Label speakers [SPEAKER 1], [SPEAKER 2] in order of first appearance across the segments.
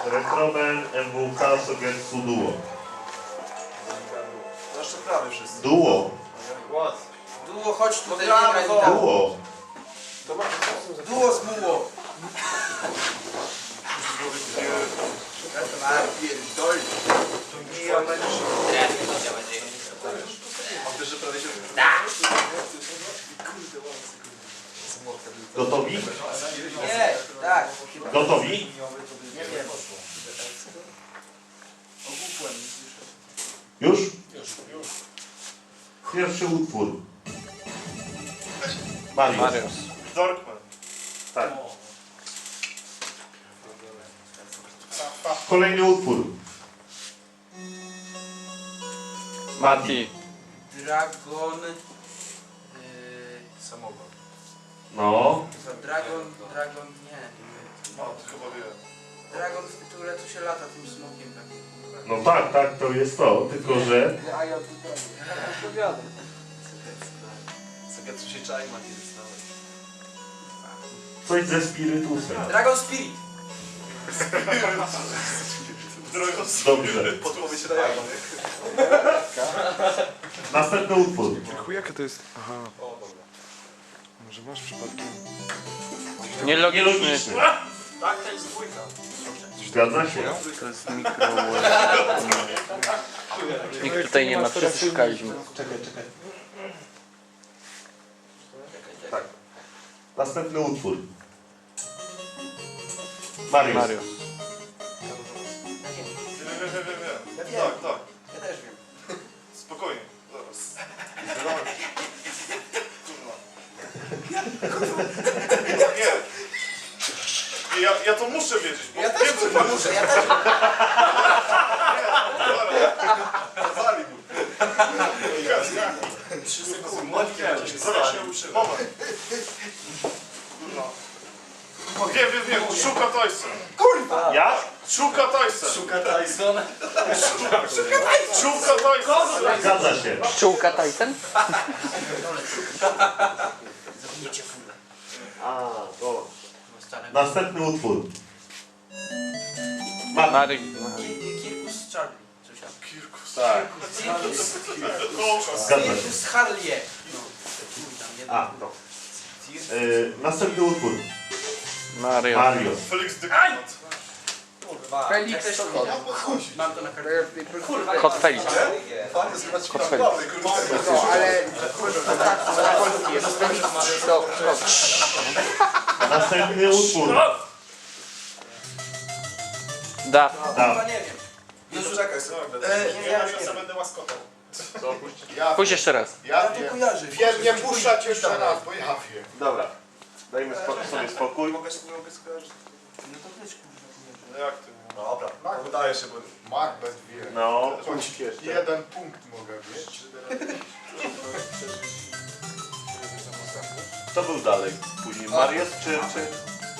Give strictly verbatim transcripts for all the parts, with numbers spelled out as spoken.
[SPEAKER 1] Retromen, M W K, Sogetsu, Duo.
[SPEAKER 2] Jeszcze prawie wszyscy.
[SPEAKER 1] Duo.
[SPEAKER 3] Duo, chodź tutaj, nie graj mi tam.
[SPEAKER 1] Duo.
[SPEAKER 3] Duo z muło.
[SPEAKER 2] Wiesz, że prawie się...
[SPEAKER 1] Gotowi?
[SPEAKER 3] Nie, tak.
[SPEAKER 1] Gotowi?
[SPEAKER 3] Nie wiem.
[SPEAKER 1] Już? Pierwszy utwór. Mariusz.
[SPEAKER 4] Mariusz.
[SPEAKER 2] Dorkman.
[SPEAKER 1] Tak. Kolejny utwór.
[SPEAKER 4] Mati.
[SPEAKER 3] Dragon... Yy,
[SPEAKER 2] Samogon.
[SPEAKER 1] No.
[SPEAKER 3] co, Dragon... Dragon... Nie.
[SPEAKER 2] No, to chyba wiem.
[SPEAKER 3] Dragon w tytule to się lata tym smokiem takim.
[SPEAKER 1] No tak, tak, to jest to. Tylko, że
[SPEAKER 5] A ja tutaj odpowiadam.
[SPEAKER 2] Co tu się czai, Mati, dostałeś.
[SPEAKER 1] coś ze spirytusem.
[SPEAKER 3] Dragon Spirit.
[SPEAKER 2] Drogą
[SPEAKER 1] Dobrze.
[SPEAKER 2] podpowiedź Rejana.
[SPEAKER 1] Następny utwór.
[SPEAKER 6] Chuj, jakie to jest? Aha. Może masz przypadkiem?
[SPEAKER 4] Nielogiczny.
[SPEAKER 1] Nielogiczny.
[SPEAKER 2] Tak, to jest dwójka.
[SPEAKER 1] Zgadza się.
[SPEAKER 4] To jest mikro... Nikt tutaj nie ma, wszyscy szukaliśmy.
[SPEAKER 1] Czekaj, czekaj. Tak. Następny utwór. Mariusz.
[SPEAKER 4] Mariusz.
[SPEAKER 2] Wiem, wiem, wiem, wiem,
[SPEAKER 3] Ja
[SPEAKER 2] wiem.
[SPEAKER 3] wiem.
[SPEAKER 2] Tak, tak.
[SPEAKER 3] Ja też wiem.
[SPEAKER 2] Spokojnie. Zaraz. Kurwa. Nie. Nie, ja, ja to muszę wiedzieć, bo
[SPEAKER 3] Ja
[SPEAKER 2] wiem,
[SPEAKER 3] też
[SPEAKER 2] co
[SPEAKER 3] kurwa
[SPEAKER 2] to
[SPEAKER 3] muszę, ja też wiem.
[SPEAKER 2] Kazali mu. Trzy sekundy. Zaraz się uczyłem. Moment. Kurwa. Wiem, wiem, wiem. Szuka Tyson.
[SPEAKER 3] Kurwa!
[SPEAKER 1] Ja?
[SPEAKER 2] Szuka Tyson.
[SPEAKER 3] Szuka Tyson.
[SPEAKER 2] Szuka Tyson.
[SPEAKER 1] Zgadza się.
[SPEAKER 4] Pszczółka Tyson?
[SPEAKER 3] Zabijcie fulę.
[SPEAKER 1] A, to. Następny utwór. Mati.
[SPEAKER 4] Mary.
[SPEAKER 3] Kirkus Charlie. Coś tam.
[SPEAKER 2] Kirkus.
[SPEAKER 1] Tak.
[SPEAKER 3] Cirkus...
[SPEAKER 1] Zgadza się.
[SPEAKER 3] Cirkus Harlie. No. Chuj tam, nie
[SPEAKER 1] A, no. Yy, następny utwór.
[SPEAKER 4] Mario.
[SPEAKER 1] Mariusz.
[SPEAKER 2] Felix de Knot.
[SPEAKER 3] Kurwa.
[SPEAKER 5] Felix
[SPEAKER 3] Ja też to
[SPEAKER 5] Sokol.
[SPEAKER 3] wiem. Mam to na kartę. Kurwa.
[SPEAKER 4] Kot Felix.
[SPEAKER 2] Fajnie zrywać
[SPEAKER 4] Kot Felix.
[SPEAKER 5] No, ale na polski jest Felix Sokol.
[SPEAKER 1] Następny utwór.
[SPEAKER 4] Da.
[SPEAKER 3] Kurwa nie wiem.
[SPEAKER 2] Już czekaj sobie.
[SPEAKER 3] E, nie, ja już nie wiem.
[SPEAKER 2] będę łaskotał.
[SPEAKER 7] Ja,
[SPEAKER 4] Pójdź jeszcze raz.
[SPEAKER 7] ja
[SPEAKER 3] Ja to kojarzę.
[SPEAKER 7] wiem, nie puszczać jeszcze raz, bo ja wiem.
[SPEAKER 1] Dobra. Dajmy spo sobie spokój.
[SPEAKER 2] Mogę sobie mogę skojarzyć.
[SPEAKER 3] No to też kurwa kojarzę.
[SPEAKER 2] No jak ty? Dobra. Tak, wydaje się, bo...
[SPEAKER 7] Macbeth wie.
[SPEAKER 1] No,
[SPEAKER 7] Choć
[SPEAKER 1] punkt jeszcze.
[SPEAKER 7] jeden punkt mogę mieć.
[SPEAKER 1] Co był dalej? Później Mariusz czy, czy...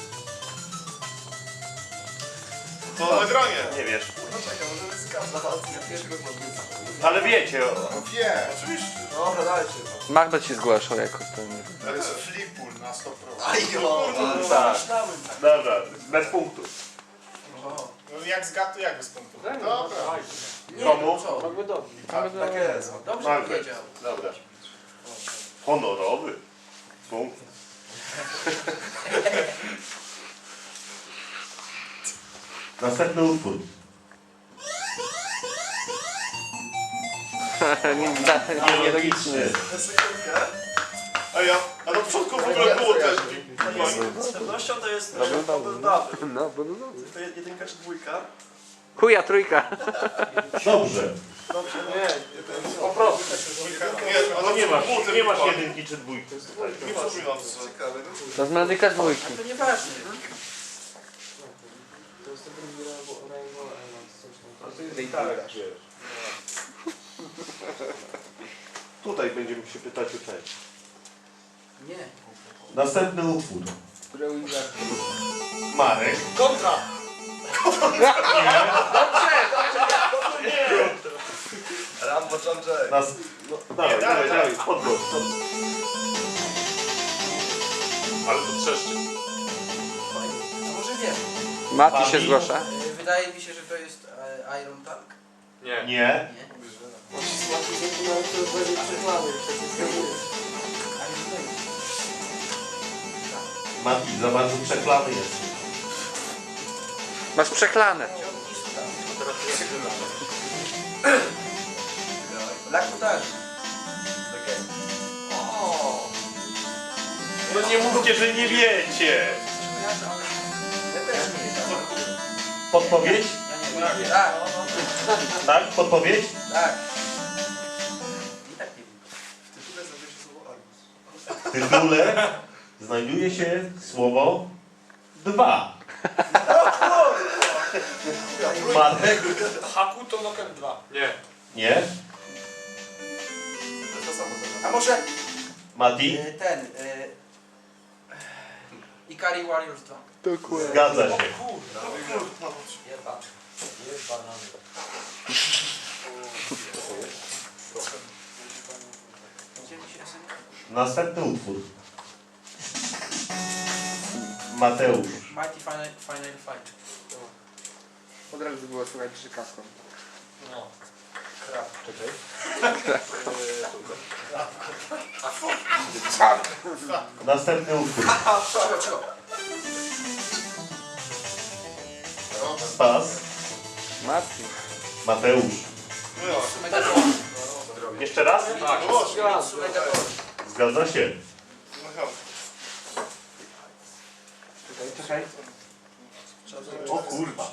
[SPEAKER 2] To nagranie.
[SPEAKER 1] Nie wiesz.
[SPEAKER 2] No czekaj, może wyskazać.
[SPEAKER 1] Ale wiecie. o-
[SPEAKER 7] No wie.
[SPEAKER 2] Oczywiście. Dobra, dajcie.
[SPEAKER 4] Magda ci zgłaszał jako ten.
[SPEAKER 7] To jest flipul na sto procent.
[SPEAKER 2] Ajo.
[SPEAKER 1] Tak. Dobra, bez punktu.
[SPEAKER 2] No jak zgadł, to jak bez punktu?
[SPEAKER 7] Dobra.
[SPEAKER 3] Nie,
[SPEAKER 1] Komu?
[SPEAKER 3] co?
[SPEAKER 5] Mamy dobrze.
[SPEAKER 2] Tak jest.
[SPEAKER 3] Dobrze
[SPEAKER 1] Margaret.
[SPEAKER 3] powiedział.
[SPEAKER 1] Dobra. Honorowy. Punkt. Następny utwór.
[SPEAKER 4] Nie, da- Nielogiczny.
[SPEAKER 2] A ja, a na początku w ogóle było też. Z pewnością to jest double double.
[SPEAKER 6] No, bo no dobrze.
[SPEAKER 2] To jest jedynka czy dwójka?
[SPEAKER 4] Chuja, trójka.
[SPEAKER 1] Dobrze.
[SPEAKER 2] Dobrze, nie.
[SPEAKER 1] Po prostu.
[SPEAKER 2] Nie,
[SPEAKER 1] No
[SPEAKER 2] ale
[SPEAKER 1] nie masz,
[SPEAKER 2] buty
[SPEAKER 1] nie masz
[SPEAKER 2] wypadły.
[SPEAKER 1] jedynki czy dwójki.
[SPEAKER 2] Nie przypominam co. Ciekawe.
[SPEAKER 4] To z medyka dwójki.
[SPEAKER 3] To nieważne.
[SPEAKER 5] To jest to drugi Rainbow Island. Coś tam.
[SPEAKER 1] Ty i tak wiesz. Tutaj będziemy się pytać o część.
[SPEAKER 3] Nie.
[SPEAKER 1] Następny utwór. Marek.
[SPEAKER 2] Kontra! Rambo John Jay.
[SPEAKER 1] Nas... No, dawaj, dawaj, dawaj, podgłos.
[SPEAKER 2] Ale to trzeszczy.
[SPEAKER 3] A może wiem.
[SPEAKER 4] Mati się zgłasza.
[SPEAKER 3] Yy, wydaje mi się, że to jest e, Iron Tank.
[SPEAKER 2] Nie.
[SPEAKER 1] Nie.
[SPEAKER 3] Nie?
[SPEAKER 1] Mati, za bardzo przeklany jest.
[SPEAKER 4] Masz przeklane.
[SPEAKER 3] Lakutarzy.
[SPEAKER 2] O!
[SPEAKER 1] No nie mówcie, że nie wiecie.
[SPEAKER 3] Ja też nie wiem.
[SPEAKER 1] Podpowiedź?
[SPEAKER 3] Ja nie wiem. Tak,
[SPEAKER 1] Tak? Podpowiedź?
[SPEAKER 3] tak. I tak nie wiem.
[SPEAKER 1] W tytule znajduje się słowo dwa. Marek?
[SPEAKER 2] Haku to Noken dwa. Nie.
[SPEAKER 1] Nie.
[SPEAKER 3] A może
[SPEAKER 1] Mati?
[SPEAKER 3] e, ten... E, Ikari Warriors dwa.
[SPEAKER 4] Dokładnie.
[SPEAKER 1] Zgadza się.
[SPEAKER 3] Jeba.
[SPEAKER 1] Następny utwór. Mateusz.
[SPEAKER 3] Mighty Final, Final Fight.
[SPEAKER 5] Od razu było słychać krzykawką.
[SPEAKER 2] No.
[SPEAKER 1] Następny utwór.
[SPEAKER 3] Cicho, cicho.
[SPEAKER 1] Spas.
[SPEAKER 4] Mati.
[SPEAKER 1] Mateusz.
[SPEAKER 3] Megaton.
[SPEAKER 1] Jeszcze raz?
[SPEAKER 2] Tak.
[SPEAKER 3] Mitsu Megaton.
[SPEAKER 1] Zgadza się.
[SPEAKER 5] Czekaj.
[SPEAKER 1] O kurwa.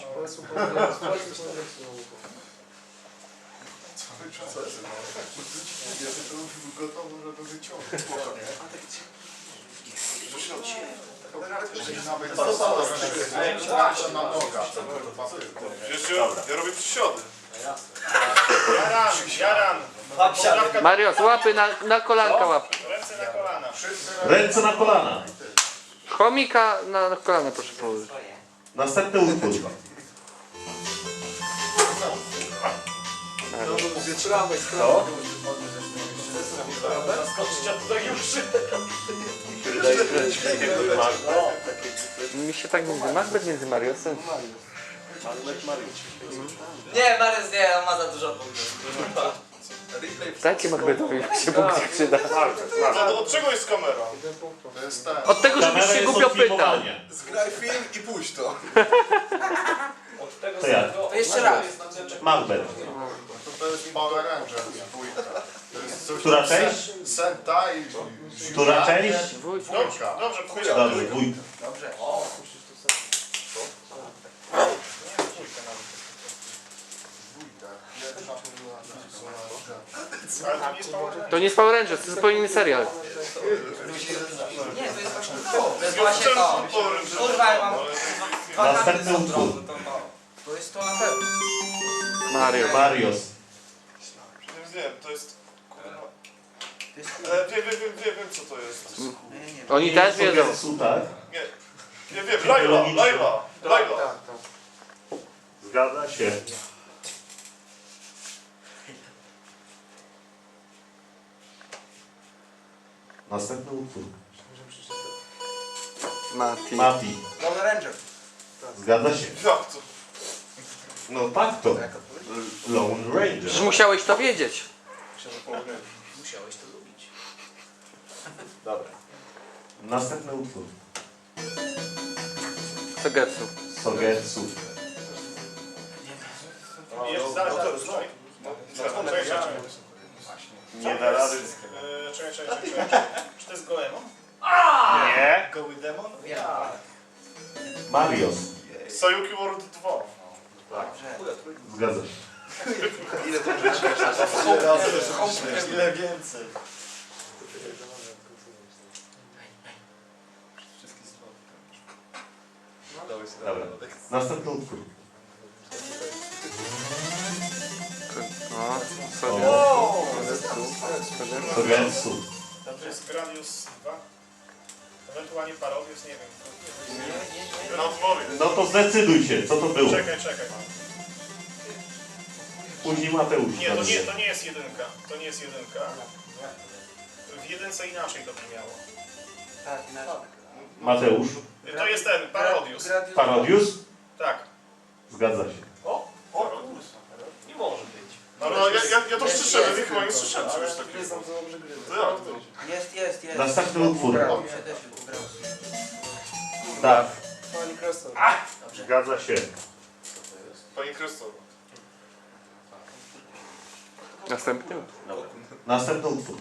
[SPEAKER 7] Gotowo, żeby wyciągnąć. Nawet na nogach.
[SPEAKER 2] Wiesz, ja, ja robię przysiody. Jaran, jaran.
[SPEAKER 4] Mariusz, łapy na, na kolanka łap.
[SPEAKER 2] Ręce na kolana.
[SPEAKER 1] Ręce na kolana.
[SPEAKER 4] Chomika na, na kolana proszę położyć.
[SPEAKER 1] Następny utwór. Co?
[SPEAKER 4] Mi się tak między Macbeth między Mariusem.
[SPEAKER 3] Nie, Marius nie, on ma za dużo punktów.
[SPEAKER 4] Dajcie Macbethowi, jak się punkt przyda.
[SPEAKER 2] A to od czego jest kamera?
[SPEAKER 7] To jest ten.
[SPEAKER 4] Od tego, żebyś
[SPEAKER 1] Kamera
[SPEAKER 4] się
[SPEAKER 1] jest
[SPEAKER 4] głupio
[SPEAKER 1] od
[SPEAKER 4] pytał.
[SPEAKER 1] filmowania.
[SPEAKER 7] Zgraj film i puść to.
[SPEAKER 1] To ja.
[SPEAKER 3] To jeszcze raz.
[SPEAKER 1] Macbeth.
[SPEAKER 7] To jest Power Rangers dwójka. To jest coś
[SPEAKER 1] Która
[SPEAKER 7] tam
[SPEAKER 1] część?
[SPEAKER 7] Sen- Senta i...
[SPEAKER 1] Która część?
[SPEAKER 7] Dwójka.
[SPEAKER 2] Dobrze, powiedział.
[SPEAKER 1] Dobrze, dwójka.
[SPEAKER 3] Dobrze.
[SPEAKER 7] Dwójka. Pierwsza to była...
[SPEAKER 2] Ale to nie jest Power
[SPEAKER 4] To nie jest Power Rangers, to jest zupełnie inny serial.
[SPEAKER 3] Nie, to jest właśnie to. To jest właśnie to. Kurwa, ja mam dwa karty
[SPEAKER 1] Następny
[SPEAKER 3] są
[SPEAKER 1] utwór.
[SPEAKER 3] drobne, to to. To jest to na pewno.
[SPEAKER 4] Mario.
[SPEAKER 1] Marios.
[SPEAKER 2] Nie wiem, to jest... kurwa.
[SPEAKER 3] To jest
[SPEAKER 2] E, Wiem, wiem, wiem, wiem, wiem co to jest.
[SPEAKER 3] Nie, nie.
[SPEAKER 4] Oni też wiedzą.
[SPEAKER 1] Su, tak?
[SPEAKER 2] Nie, nie wiem, Laila, Laila, Laila.
[SPEAKER 1] Zgadza się. Następny utwór.
[SPEAKER 4] Mati.
[SPEAKER 1] Mati.
[SPEAKER 3] Lone Ranger.
[SPEAKER 1] Zgadza się.
[SPEAKER 2] Jak to?
[SPEAKER 1] No tak to. Lone Ranger.
[SPEAKER 4] Przecież musiałeś to wiedzieć.
[SPEAKER 3] Musiałeś to lubić.
[SPEAKER 1] Dobra. Następny utwór.
[SPEAKER 4] Sogetsu.
[SPEAKER 1] Sogetsu.
[SPEAKER 2] Jest zaraz, zaraz, czekaj. Czekaj, czekaj.
[SPEAKER 1] Nie da rady.
[SPEAKER 2] E, Czekaj, czekaj, czekaj, czekaj. Czy to jest Goemon?
[SPEAKER 1] Nie.
[SPEAKER 2] Goły Demon?
[SPEAKER 3] Ja.
[SPEAKER 1] Marios.
[SPEAKER 2] Sayuki World dwa.
[SPEAKER 1] Zgadza się.
[SPEAKER 2] Ile więcej?
[SPEAKER 1] Dobra. Następny utwór.
[SPEAKER 4] O,
[SPEAKER 1] O.
[SPEAKER 4] Sogetsu.
[SPEAKER 1] Sogetsu.
[SPEAKER 2] To jest Gradius dwa. Ewentualnie Parodius, nie wiem. No odpowiem.
[SPEAKER 1] No to zdecyduj się, co to było.
[SPEAKER 2] Czekaj, czekaj.
[SPEAKER 1] Później Mateusz.
[SPEAKER 2] Nie, to nie, to nie jest jedynka. To nie jest jedynka. W jedynce inaczej to brzmiało.
[SPEAKER 3] Tak, inaczej.
[SPEAKER 1] Mateusz.
[SPEAKER 2] To jest ten, Parodius.
[SPEAKER 3] Gradius.
[SPEAKER 1] Parodius.
[SPEAKER 2] Tak.
[SPEAKER 8] Zgadza się.
[SPEAKER 2] O, o, nie może być. No, no ja, ja, ja to
[SPEAKER 3] Jest,
[SPEAKER 2] słyszałem,
[SPEAKER 3] jest.
[SPEAKER 2] ja chyba nie słyszałem czegoś takiego. To jak to?
[SPEAKER 3] Jest, jest, jest.
[SPEAKER 8] Następny utwór.
[SPEAKER 3] Mi się też ugrało.
[SPEAKER 8] Daw.
[SPEAKER 5] Pani Kresto.
[SPEAKER 8] Zgadza się.
[SPEAKER 2] Pani Krystof.
[SPEAKER 6] Następny?
[SPEAKER 8] Następny utwór.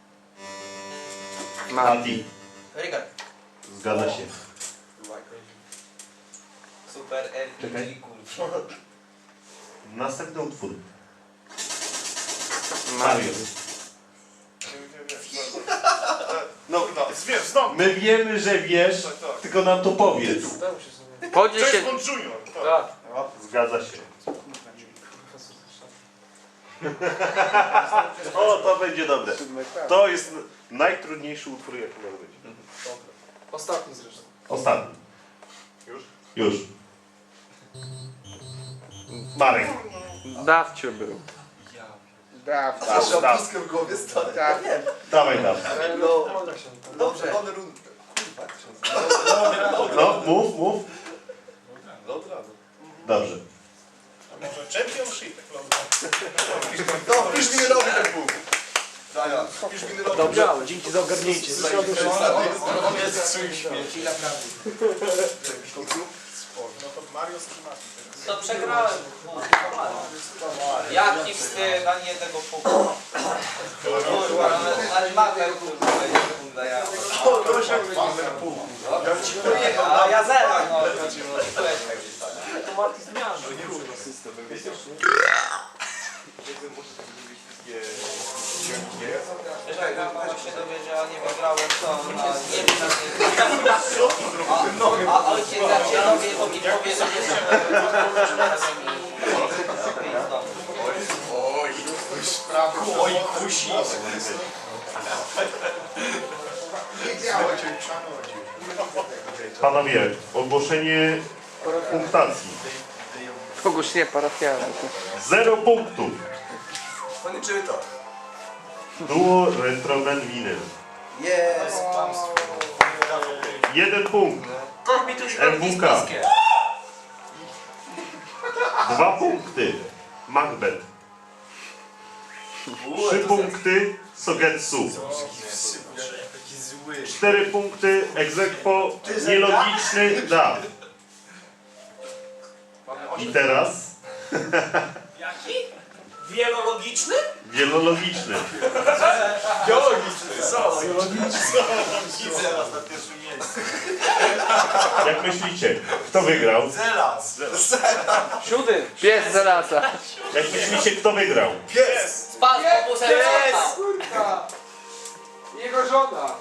[SPEAKER 6] Mati.
[SPEAKER 8] Mati.
[SPEAKER 3] Rygar.
[SPEAKER 8] Zgadza się.
[SPEAKER 3] Super R
[SPEAKER 8] Czekaj.
[SPEAKER 3] P G, kurwa.
[SPEAKER 8] Następny utwór.
[SPEAKER 6] Mario.
[SPEAKER 8] Mario.
[SPEAKER 2] No, no, wiem, znam.
[SPEAKER 8] My wiemy, że wiesz,
[SPEAKER 2] Tak, tak.
[SPEAKER 8] tylko nam to powiedz.
[SPEAKER 6] Podziel
[SPEAKER 2] James
[SPEAKER 6] się...
[SPEAKER 2] Bond Junior. Tak.
[SPEAKER 8] Zgadza się. O, to będzie dobre. To jest najtrudniejszy utwór, jaki może być.
[SPEAKER 5] Ostatni zresztą.
[SPEAKER 8] Ostatni.
[SPEAKER 2] Już?
[SPEAKER 8] Już. Marek.
[SPEAKER 6] Dawcie był.
[SPEAKER 5] Daw.
[SPEAKER 8] Daw, daw.
[SPEAKER 7] w głowie stary.
[SPEAKER 5] Tak.
[SPEAKER 8] Dawaj, daw.
[SPEAKER 7] No,
[SPEAKER 3] Dobrze.
[SPEAKER 7] one rund...
[SPEAKER 8] No, mów, mów.
[SPEAKER 7] Dobra.
[SPEAKER 8] Dobrze.
[SPEAKER 2] Może Championship.
[SPEAKER 7] No, pisz mi robi ten punkt. Daja, pisz mi robi.
[SPEAKER 5] Dobrze, dzięki za ogarnięcie.
[SPEAKER 3] Chwila prawdy.
[SPEAKER 2] No to Mario Strzymaki.
[SPEAKER 3] To przegrałem. Jaki wstyd, ani jednego punktu. Kurwa, ale, ale mapę kurwa, sekunda ja. A ja zero, no. To Marti zmiażdżył. Jeżeli mama się dowiedziała, nie wygrałem, to ona nie wie na mnie. A ojciec jak się dowie, to mi powie, że nie są razem i...
[SPEAKER 2] Oj, kusi.
[SPEAKER 7] Nie działa cię.
[SPEAKER 8] Panowie, ogłoszenie punktacji.
[SPEAKER 6] Ogłoszenie parafialne.
[SPEAKER 8] Zero punktów.
[SPEAKER 7] Pani czyta.
[SPEAKER 8] Duo Retroman Winyl.
[SPEAKER 7] Jest.
[SPEAKER 8] Jeden punkt. M W K. Dwa punkty. Macbeth. Trzy punkty. Sogetsu. Cztery punkty. Egzekwo. Nielogiczny. Da. I teraz
[SPEAKER 1] Jaki? Wielologiczny?
[SPEAKER 8] wielologiczny.
[SPEAKER 2] Geologiczny, co? Widzę was na pierwszym miejscu.
[SPEAKER 8] Jak myślicie, kto wygrał?
[SPEAKER 2] Zelas.
[SPEAKER 6] Siódmy. Pies za lasa.
[SPEAKER 8] Jak myślicie, kto wygrał?
[SPEAKER 2] Pies.
[SPEAKER 3] Spadł po półsetce.
[SPEAKER 5] Kurwa. Jego żona.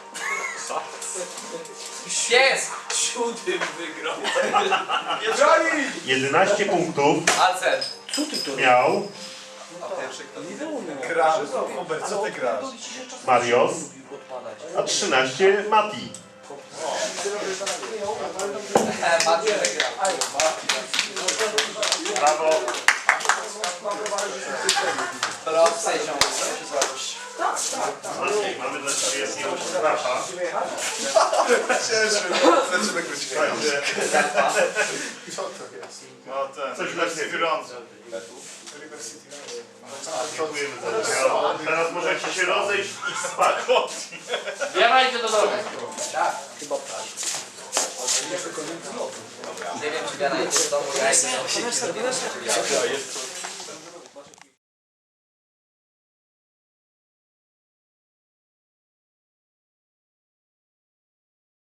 [SPEAKER 3] Pies!
[SPEAKER 1] Siódmym wygrał.
[SPEAKER 8] jedenaście punktów
[SPEAKER 3] Alcel.
[SPEAKER 8] miał
[SPEAKER 7] Grasz. Hubert, co ty grasz?
[SPEAKER 8] Marios, a trzynaście Mati.
[SPEAKER 3] Macie wygrał.
[SPEAKER 8] Brawo.
[SPEAKER 3] Proszę się.
[SPEAKER 8] Maciej, mamy dla Ciebie jakiegoś strafa.
[SPEAKER 7] Cieszę. Zaczyna krócić.
[SPEAKER 2] Co to jest? No ten.
[SPEAKER 8] Coś dla Ciebie.
[SPEAKER 2] Grądze.
[SPEAKER 8] Dziękujemy za udział. Teraz możecie się rozejść i spać.
[SPEAKER 3] Biegajcie do domu. Tak. Nie wiem, czy biegajcie do domu, ja idę.